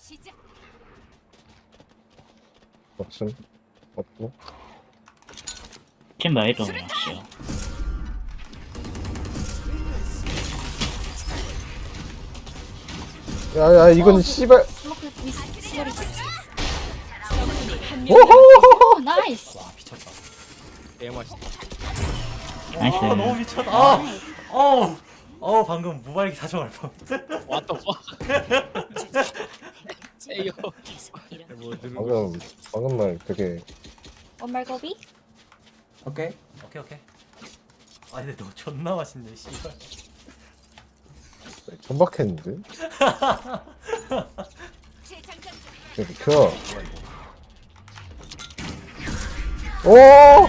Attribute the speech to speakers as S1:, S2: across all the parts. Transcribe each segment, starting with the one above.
S1: 없음. 없고.
S2: 챔버 에도 없어요.
S1: 야야 이건 씨발.
S3: 스모크 미스 소리.
S1: 오호호호.
S3: 나이스.
S4: 와 미쳤다. 개 맛있다.
S2: 나이스.
S4: 너무 미쳤다. 방금 무발기 사정할 뻔.
S5: What the fuck? 에이요. 뭐
S1: 방금 말 되게
S3: 원말고비?
S6: 오케이.
S4: 오케이. 아 근데 너 존나 맛있네 씨발.
S1: 천박했는데. 켜. 오.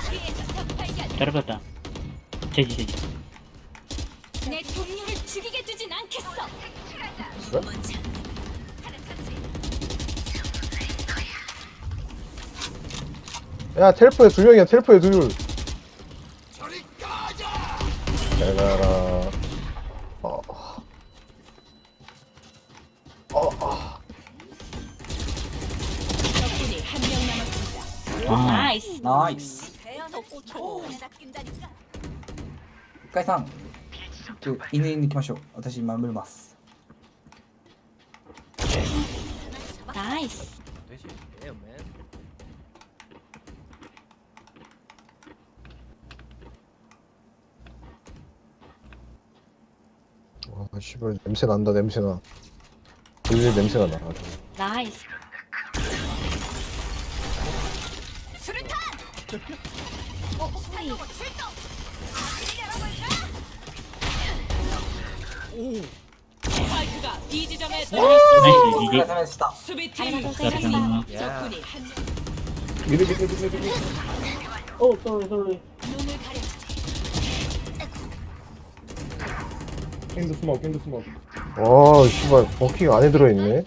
S2: 떨어졌다. 제지.
S7: 내 동료를 죽이게 두진 않겠어.
S1: 야 텔포에 두 명이야. 텔포에 둘. 잘 가라.
S7: 적군이 한 명 남았습니다.
S2: 아,
S3: 나이스.
S6: 나이스.
S7: 대여섯 고초 하나 낀다니까.
S6: 深井さん犬に行きましょう。私今見ます。
S3: 나이스.
S4: 되지. Damn man.
S1: 와 씨발 냄새 난다. 냄새나. 돌릴 냄새가 나. 아주.
S3: 나이스.
S7: 수류탄.
S3: 소리.
S7: 출동. 스파이크가 B 지점에
S2: 나이스.
S6: お疲れ
S2: 이제
S6: 様でした。
S7: 수비팀
S3: 아리가또
S2: 떨어졌나?
S3: 고자이마스.
S7: 적군이 한 명.
S1: 미리.
S7: 눈을 가려.
S1: 와 씨발 버킹 안에 들어있네.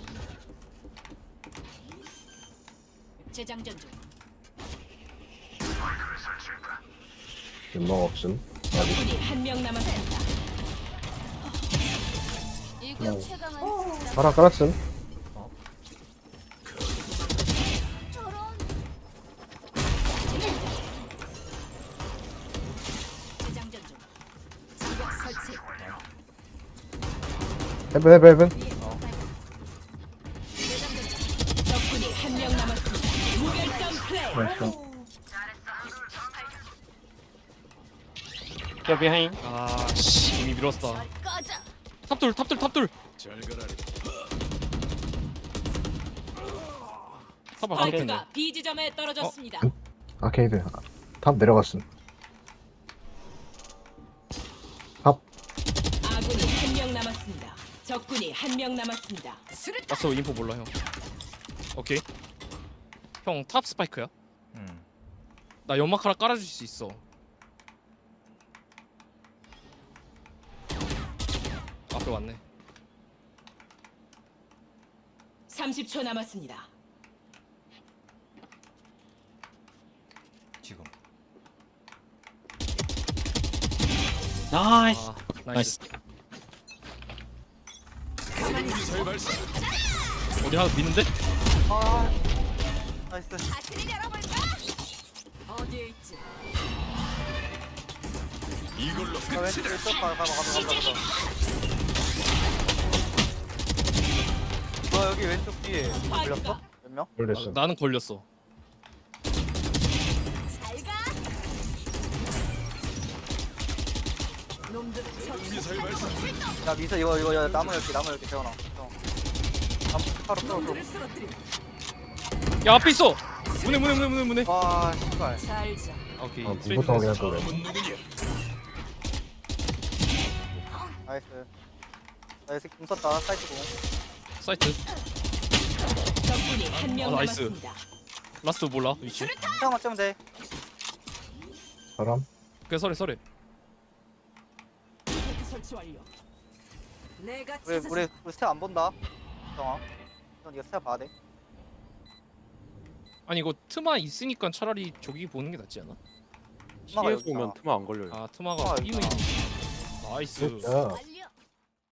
S7: 재장전 중.
S1: 연막 없음.
S7: 적군이 한 명 남았습니다. 이거 최강은
S1: 하나 깔았음.
S7: 재장전 중. 지역 설치.
S1: 헤븐.
S7: 적군이 한 명 남았습니다. 무결점 플레이.
S2: 나이스.
S5: 야 비하인. 아씨 이미 밀었어.
S7: 꺼져.
S5: 탑둘. 사바 그렇겠네.
S7: 스파이크가 B 지점에 떨어졌습니다.
S1: 아케이드. 탑 내려갔음.
S7: 아군이 한 명 남았습니다. 적군이 한 명 남았습니다. 수류탄.
S5: 라스트 인포 몰라 형. 오케이. 형 탑 스파이크야? 나 연막 하나 깔아줄 수 있어. 앞에 왔네.
S7: 30초 남았습니다.
S4: 지금.
S2: 나이스.
S5: 아 나이스. 어디 하나 미는데?
S7: 다트를 열어볼까? 어디에 있지?
S8: 너 여기 왼쪽 뒤에
S7: 스파이크가
S8: 몇 명?
S1: 걸렸어.
S5: 나는 걸렸어.
S7: 잘 가. 놈들은 저
S8: 야 미서 이거 야, 나무 열기 재원아. 나무 바로 끌어.
S7: 놈들을 쓰러뜨리.
S5: 야 앞에 있어. 문에.
S8: 와 씨발.
S7: 잘 자.
S5: 오케이.
S1: 아 무부터 확인할 거래.
S8: 나이스. 나이스 공 썼다 사이트 공.
S5: 사이트.
S7: 적군이 한 명
S5: 나이스.
S7: 남았습니다.
S5: 라스트 몰라 위치.
S8: 태양만 쩌면 돼.
S1: 사람.
S5: 그래 서래.
S7: 테크 설치 완료. 내가
S8: 우리 스텝 안 본다. 정아. 넌 이거 스텝 봐야 돼.
S5: 아니 이거 트마 있으니까 차라리 저기 보는 게 낫지 않아?
S8: 엄마가 여기
S9: CS 오면
S8: 있잖아.
S9: 트마 안 걸려요.
S5: 아 트마가
S8: 아,
S5: 이미
S8: 있구나.
S5: 나이스.
S1: 야